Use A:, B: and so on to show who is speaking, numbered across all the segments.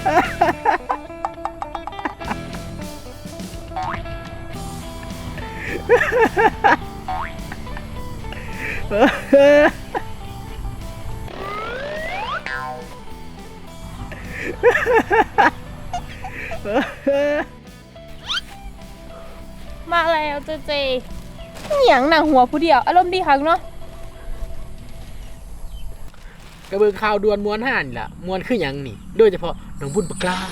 A: มาแล้วเจเจเหนียงหนังหัวผู้เดียวอารมณ์ดีคักเนาะ
B: กระเบื้องข่าวด่วนม้วนห่านล่ะม้วนคือหยังนี่โดยเฉพาะน้องบุญปากกล้า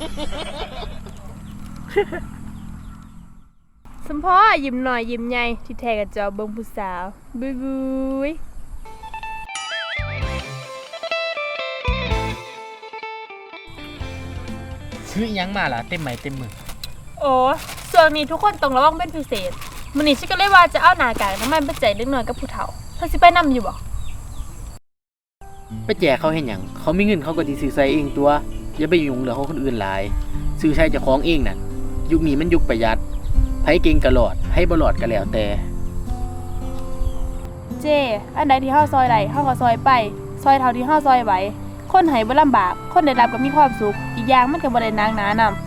A: สมพ่อยิ้มหน่อยยิ้มใหญ่ที่แท้กับจอเบิ่งผู้สาวบุยบุย
B: ซื้อหยังมาล่ะเต็มไม้เต็มมือ
A: โอ้ส่วนนี้ทุกคนต้องระวังเป็นพิเศษมื้อนี้ฉันก็เลยว่าจะเอาหน้ากากน้ำมันไปแจกเล็กน้อยกับผู้เฒ่าเธอสิไปนำอยู่บ่
B: ไปแจกเขาเห็นหยังเขามีเงินเขาก็สิซื้อใส่เองตัวอย่าไปยุ่งเรื่องของคนอื่นหลายซื้อใช้เจ้าของเองน่ะยุคนี้มันยุคประหยัดไผเก่งก็รอดไผบ่รอดก็แล้วแต่
A: เจ้อันใดที่เฮาซอยได้เฮาก็ซอยไปซอยเท่าที่เฮาซอยไหวคนให้บ่ลำบากคนได้รับก็มีความสุขอีกอย่างมันก็บ่ได้หนักหนานำ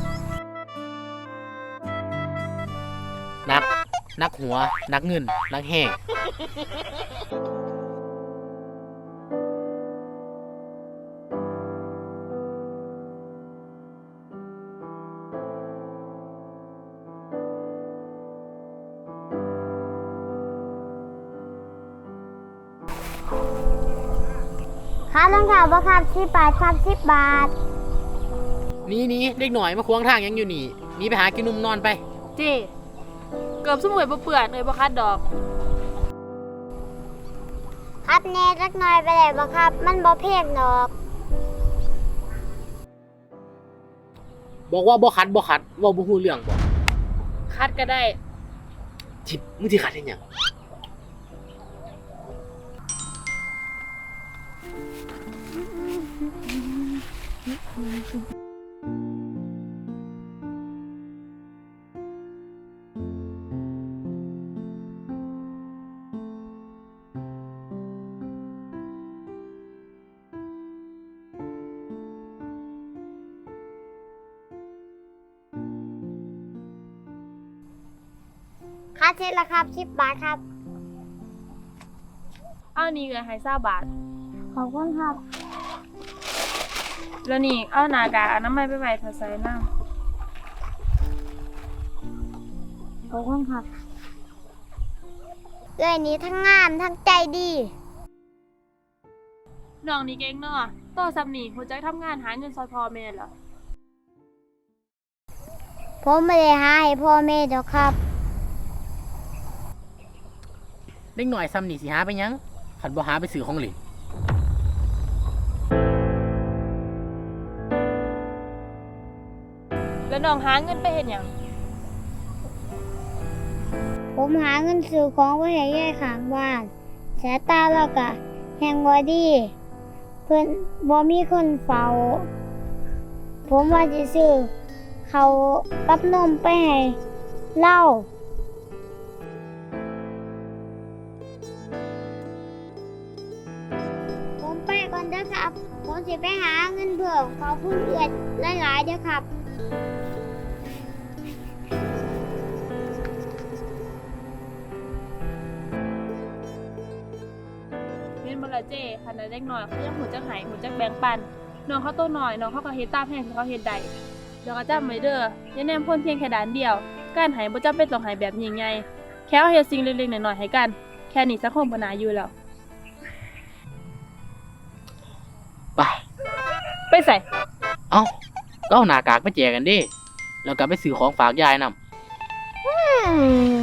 B: นักหัวนักเงินนักแห้ง
C: ค่ารองเท้าบ่ครับ10 บาทครับ10 บาท
B: นี่เด็กหน่อยมาควงทางยังอยู่นี่นี่ไปหากินนมนอนไป
A: เจ้เกือบสมุยบ่เปื้อนเลยบ่คัดดอก
C: คัดแน่จักหน่อยไปได้บ่ครับมันบ่เพกดอก
B: บอกว่าบ่คัดว่าบ่ฮู้เรื่องบ่
A: คัดก็ได้
B: จิบมึงสิคัดเฮ็ดหยัง
C: ค่าเช็ดละครับ10 บาทครับ
A: เอานี่ก็ให้20 บาท
C: ขอบคุณครับ
A: แล้วนี่เอาหน้ากากอนามัยไปไว้ถ้าใส่น้
C: ำขอบคุณครับเอ้ยนี่ทั้งงามทั้งใจดี
A: น้องนี่เก่งเนาะโตซ้ำนี่ฮู้จักทำงานหาเงินซอยพ่อแม่เหรอ
C: ผมไม่ได้หาให้พ่อแม่ดอกครับ
B: เด็กหน่อยซ้ำนี่สิหาไปหยังคันบ่หาไปซื้อของเล่น
A: แล้วน้องหาเงินไปเฮ็ดหยัง
C: ผมหาเงินซื้อของไว้ให้ยายข้างบ้านสายตาแล้วก็แฮงบ่ดีเพิ่นบ่มีคนเฝ้าผมว่าสิซื้อข้าวกับนมไปให้เล่าผมไปก่อนเด้อครับผมสิไปหาเงินเพิ่มขอบคุณเอื้อนหลายๆเด้อครับ
A: เห็นบ่ล่ะเจ้คันใดเด็กน้อยเขายังฮู้จักให้ฮู้จักแบ่งปันน้องเขาโตน้อยน้องเขาก็เฮ็ดตามแผนที่เขาเฮ็ดได้แล้วก็จำไว้เด้ออย่าแนมคนเพียงแค่ด้านเดียวการให้บ่จำเป็นต้องให้แบบยิ่งใหญ่แค่เฮ็ดสิ่งเล็กๆน้อยๆให้กันแค่นี้สังคมบ่น่าอยู่แล้วไปใส่
B: เอ้าก็เอาหน้ากากไปแจกกันดิแล้วก็ไปซื้อของฝากยายนำ